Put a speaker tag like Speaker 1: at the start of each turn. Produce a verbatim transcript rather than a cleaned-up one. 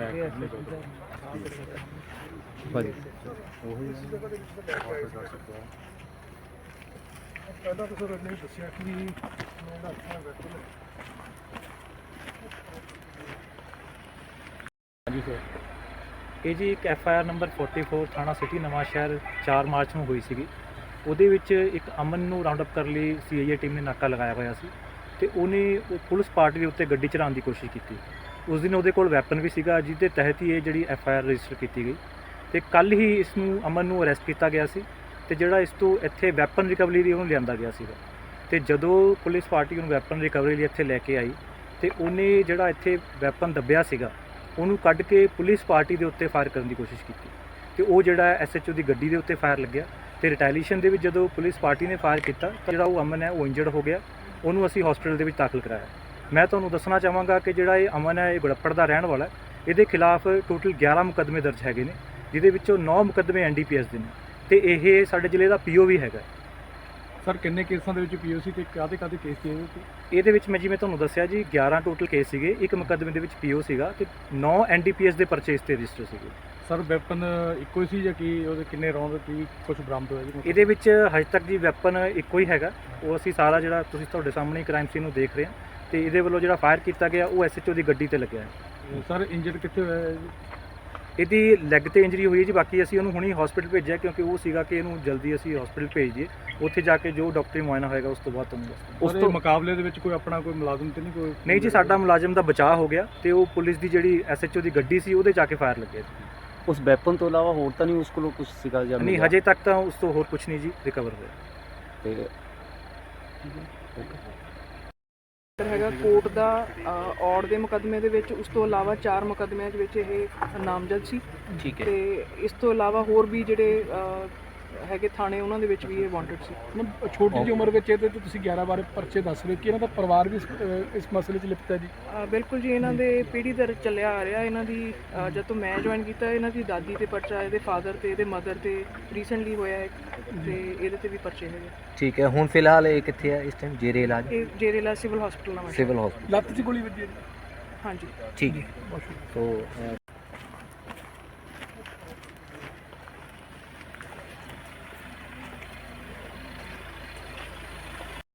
Speaker 1: ਭਾਜੀ
Speaker 2: ਪਹਿਲਾਂ ਤਾਂ ਸਰ ਇਹਨੇ ਦੱਸਿਆ ਕਿ ਮੇਰਾ ਅੱਖਾਂ ਵੈਕੂਮ ਹੈ।
Speaker 1: ਹਾਂਜੀ ਸਰ।
Speaker 3: ਇਹ ਜੀ ਇੱਕ ਐਫ ਆਈ ਆਰ ਨੰਬਰ ਚੌਂਤਾਲੀ ਥਾਣਾ ਸਿਟੀ ਨਵਾਂ ਸ਼ਹਿਰ ਚਾਰ ਮਾਰਚ ਨੂੰ ਹੋਈ ਸੀਗੀ। ਉਹਦੇ ਵਿੱਚ ਇੱਕ ਅਮਨ ਨੂੰ ਰਾਉਂਡ ਅਪ ਕਰਨ ਲਈ ਸੀ ਆਈ ਏ ਟੀਮ ਨੇ ਨਾਕਾ ਲਗਾਇਆ ਹੋਇਆ ਸੀ ਅਤੇ ਉਹਨੇ ਉਹ ਪੁਲਿਸ ਪਾਰਟੀ ਦੇ ਉੱਤੇ ਗੱਡੀ ਚਲਾਉਣ ਦੀ ਕੋਸ਼ਿਸ਼ ਕੀਤੀ। ਉਸ ਦਿਨ ਉਹਦੇ ਕੋਲ ਵੈਪਨ ਵੀ ਸੀਗਾ, ਜਿਹਦੇ ਤਹਿਤ ਹੀ ਇਹ ਜਿਹੜੀ ਐਫ ਆਈ ਆਰ ਰਜਿਸਟਰ ਕੀਤੀ ਗਈ ਅਤੇ ਕੱਲ੍ਹ ਹੀ ਇਸ ਨੂੰ ਅਮਨ ਨੂੰ ਅਰੈਸਟ ਕੀਤਾ ਗਿਆ ਸੀ ਅਤੇ ਜਿਹੜਾ ਇਸ ਤੋਂ ਇੱਥੇ ਵੈਪਨ ਰਿਕਵਰੀ ਲਈ ਉਹਨੂੰ ਲਿਆਂਦਾ ਗਿਆ ਸੀਗਾ। ਅਤੇ ਜਦੋਂ ਪੁਲਿਸ ਪਾਰਟੀ ਉਹਨੂੰ ਵੈਪਨ ਰਿਕਵਰੀ ਲਈ ਇੱਥੇ ਲੈ ਕੇ ਆਈ ਅਤੇ ਉਹਨੇ ਜਿਹੜਾ ਇੱਥੇ ਵੈਪਨ ਦੱਬਿਆ ਸੀਗਾ ਉਹਨੂੰ ਕੱਢ ਕੇ ਪੁਲਿਸ ਪਾਰਟੀ ਦੇ ਉੱਤੇ ਫਾਇਰ ਕਰਨ ਦੀ ਕੋਸ਼ਿਸ਼ ਕੀਤੀ ਅਤੇ ਉਹ ਜਿਹੜਾ ਐਸ ਐਚ ਓ ਦੀ ਗੱਡੀ ਦੇ ਉੱਤੇ ਫਾਇਰ ਲੱਗਿਆ ਅਤੇ ਰਿਟੈਲੀਏਸ਼ਨ ਦੇ ਵਿੱਚ ਜਦੋਂ ਪੁਲਿਸ ਪਾਰਟੀ ਨੇ ਫਾਇਰ ਕੀਤਾ ਤਾਂ ਜਿਹੜਾ ਉਹ ਅਮਨ ਹੈ ਉਹ ਇੰਜਰਡ ਹੋ ਗਿਆ। ਉਹਨੂੰ ਅਸੀਂ ਹਸਪੀਟਲ ਦੇ ਵਿੱਚ ਦਾਖਲ ਕਰਾਇਆ। ਮੈਂ ਤੁਹਾਨੂੰ ਦੱਸਣਾ ਚਾਹਾਂਗਾ ਕਿ ਜਿਹੜਾ ਇਹ ਅਮਨ ਹੈ ਇਹ ਗੁੜੱਪੜ ਦਾ ਰਹਿਣ ਵਾਲਾ, ਇਹਦੇ ਖਿਲਾਫ ਟੋਟਲ ਗਿਆਰਾਂ ਮੁਕੱਦਮੇ ਦਰਜ ਹੈਗੇ ਨੇ, ਜਿਹਦੇ ਵਿੱਚੋਂ ਨੌ ਮੁਕੱਦਮੇ ਐਨ ਡੀ ਪੀ ਐਸ ਦੇ ਨੇ ਅਤੇ ਇਹ ਸਾਡੇ ਜ਼ਿਲ੍ਹੇ ਦਾ ਪੀ ਓ ਵੀ ਹੈਗਾ।
Speaker 2: ਸਰ ਕਿੰਨੇ ਕੇਸਾਂ ਦੇ ਵਿੱਚ ਪੀ ਓ ਸੀ ਅਤੇ ਕਾਹਦੇ ਕਾਹਦੇ ਕੇਸ ਸੀ ਇਹਦੇ?
Speaker 3: ਇਹਦੇ ਵਿੱਚ ਮੈਂ ਜਿਵੇਂ ਤੁਹਾਨੂੰ ਦੱਸਿਆ ਜੀ ਗਿਆਰਾਂ ਟੋਟਲ ਕੇਸ ਸੀਗੇ, ਇੱਕ ਮੁਕੱਦਮੇ ਦੇ ਵਿੱਚ ਪੀ ਓ ਸੀਗਾ ਅਤੇ ਨੌ ਐਨ ਡੀ ਪੀ ਐਸ ਦੇ ਪਰਚੇ ਇਸ 'ਤੇ ਰਜਿਸਟਰ ਸੀਗੇ।
Speaker 2: ਸਰ ਵੈਪਨ ਇੱਕੋ ਹੀ ਸੀ ਜਾਂ ਕੀ ਉਹਦੇ ਕਿੰਨੇ ਰੌਂਦ ਕੀ ਕੁਝ ਬਰਾਮਦ ਹੋਇਆ ਜੀ?
Speaker 3: ਇਹਦੇ ਵਿੱਚ ਹਜੇ ਤੱਕ ਜੀ ਵੈਪਨ ਇੱਕੋ ਹੀ ਹੈਗਾ। ਉਹ ਅਸੀਂ ਸਾਰਾ ਜਿਹੜਾ ਤੁਸੀਂ ਤੁਹਾਡੇ ਸਾਹਮਣੇ ਕ੍ਰਾਈਮ ਸੀਨ ਨੂੰ ਦੇਖ ਰਹੇ ਹਾਂ ਅਤੇ ਇਹਦੇ ਵੱਲੋਂ ਜਿਹੜਾ ਫਾਇਰ ਕੀਤਾ ਗਿਆ ਉਹ ਐਸ ਐਚ ਓ ਦੀ ਗੱਡੀ 'ਤੇ ਲੱਗਿਆ ਹੈ।
Speaker 2: ਸਰ ਇੰਜਰਡ ਕਿੱਥੇ ਹੋਇਆ ਹੈ ਜੀ?
Speaker 3: ਇਹਦੀ ਲੈਗ ਤੇ ਇੰਜਰੀ ਹੋਈ ਹੈ ਜੀ। ਬਾਕੀ ਅਸੀਂ ਉਹਨੂੰ ਹੁਣੀ ਹਸਪੀਟਲ ਭੇਜਿਆ ਕਿਉਂਕਿ ਉਹ ਸੀਗਾ ਕਿ ਇਹਨੂੰ ਜਲਦੀ ਅਸੀਂ ਹਸਪੀਟਲ ਭੇਜ ਦਈਏ, ਉੱਥੇ ਜਾ ਕੇ ਜੋ ਡਾਕਟਰੀ ਮੁਆਇਨਾ ਹੋਏਗਾ ਉਸ ਤੋਂ ਬਾਅਦ ਤੁਹਾਨੂੰ ਦੱਸਦੇ।
Speaker 2: ਉਸ ਤੋਂ ਮੁਕਾਬਲੇ ਦੇ ਵਿੱਚ ਕੋਈ ਆਪਣਾ ਕੋਈ ਮੁਲਾਜ਼ਮ ਤੇ ਨਹੀਂ ਕੋਈ?
Speaker 3: ਨਹੀਂ ਜੀ, ਸਾਡਾ ਮੁਲਾਜ਼ਮ ਦਾ ਬਚਾਅ ਹੋ ਗਿਆ ਤੇ ਉਹ ਪੁਲਿਸ ਦੀ ਜਿਹੜੀ ਐਸ ਐਚ ਓ ਦੀ ਗੱਡੀ ਸੀ ਉਹਦੇ ਜਾ ਕੇ ਫਾਇਰ ਲੱਗਿਆ।
Speaker 1: ਉਸ ਵੈਪਨ ਤੋਂ ਇਲਾਵਾ ਹੋਰ ਤਾਂ ਨਹੀਂ ਉਸ ਕੋਲੋਂ ਕੁਝ ਸੀਗਾ ਜਾਂ?
Speaker 3: ਨਹੀਂ, ਹਜੇ ਤੱਕ ਤਾਂ ਉਸ ਤੋਂ ਹੋਰ ਕੁਝ ਨਹੀਂ ਜੀ ਰਿਕਵਰ ਹੋਇਆ।
Speaker 1: ਤੇ
Speaker 4: ਹੈਗਾ ਕੋਰਟ ਦਾ ਔੜ ਦੇ ਮੁਕੱਦਮੇ ਦੇ ਵਿੱਚ, ਉਸ ਤੋਂ ਇਲਾਵਾ ਚਾਰ ਮੁਕੱਦਮਿਆਂ ਦੇ ਵਿੱਚ ਇਹ ਨਾਮਜ਼ਦ ਸੀ।
Speaker 1: ਠੀਕ ਹੈ।
Speaker 4: ਤੇ ਇਸ ਤੋਂ ਇਲਾਵਾ ਹੋਰ ਵੀ ਜਿਹੜੇ ਅ, ਹੈਗੇ ਥਾਣੇ ਉਹਨਾਂ ਦੇ ਵਿੱਚ ਵੀ ਇਹ ਵਾਂਟਡ ਸੀ।
Speaker 2: ਮਤਲਬ ਛੋਟੀ ਜਿਹੀ ਉਮਰ ਵਿੱਚ ਇਹਦੇ ਤੇ ਤੁਸੀਂ ਗਿਆਰਾਂ ਬਾਰੇ ਪਰਚੇ ਦੱਸ ਰਹੇ ਕਿ ਇਹਨਾਂ ਦਾ ਪਰਿਵਾਰ ਵੀ ਇਸ ਅ, ਇਸ ਮਸਲੇ 'ਚ ਲਿਪਤ ਹੈ ਜੀ?
Speaker 4: ਅ, ਬਿਲਕੁਲ ਜੀ, ਇਹਨਾਂ ਦੇ ਪੀੜ੍ਹੀ ਦਰ ਚੱਲਿਆ ਆ ਰਿਹਾ। ਇਹਨਾਂ ਦੀ ਅ, ਜਦ ਤੋਂ ਮੈਂ ਜੁਆਇਨ ਕੀਤਾ ਇਹਨਾਂ ਦੀ ਦਾਦੀ ਤੇ ਪਰਚਾ, ਇਹਦੇ ਫਾਦਰ ਤੇ ਇਹਦੇ ਮਦਰ ਤੇ ਰੀਸੈਂਟਲੀ ਹੋਇਆ ਹੈ ਤੇ ਇਹਦੇ ਤੇ ਵੀ ਪਰਚੇ ਹੈਗੇ।
Speaker 1: ਠੀਕ ਹੈ। ਹੁਣ ਫਿਲਹਾਲ ਇਹ ਕਿੱਥੇ ਹੈ ਇਸ ਟਾਈਮ? ਜੇਰੇ ਇਲਾਜ?
Speaker 4: ਇਹ ਜੇਰੇਲਾ ਸਿਵਲ ਹਸਪੀਟਲ ਨਾਲ।
Speaker 1: Civil hospital.
Speaker 2: ਲੱਤ 'ਚ ਗੋਲੀ ਵੱਜੀ ਹੈ ਜੀ?
Speaker 4: ਹਾਂਜੀ।
Speaker 1: ਠੀਕ ਹੈ। ਸੋ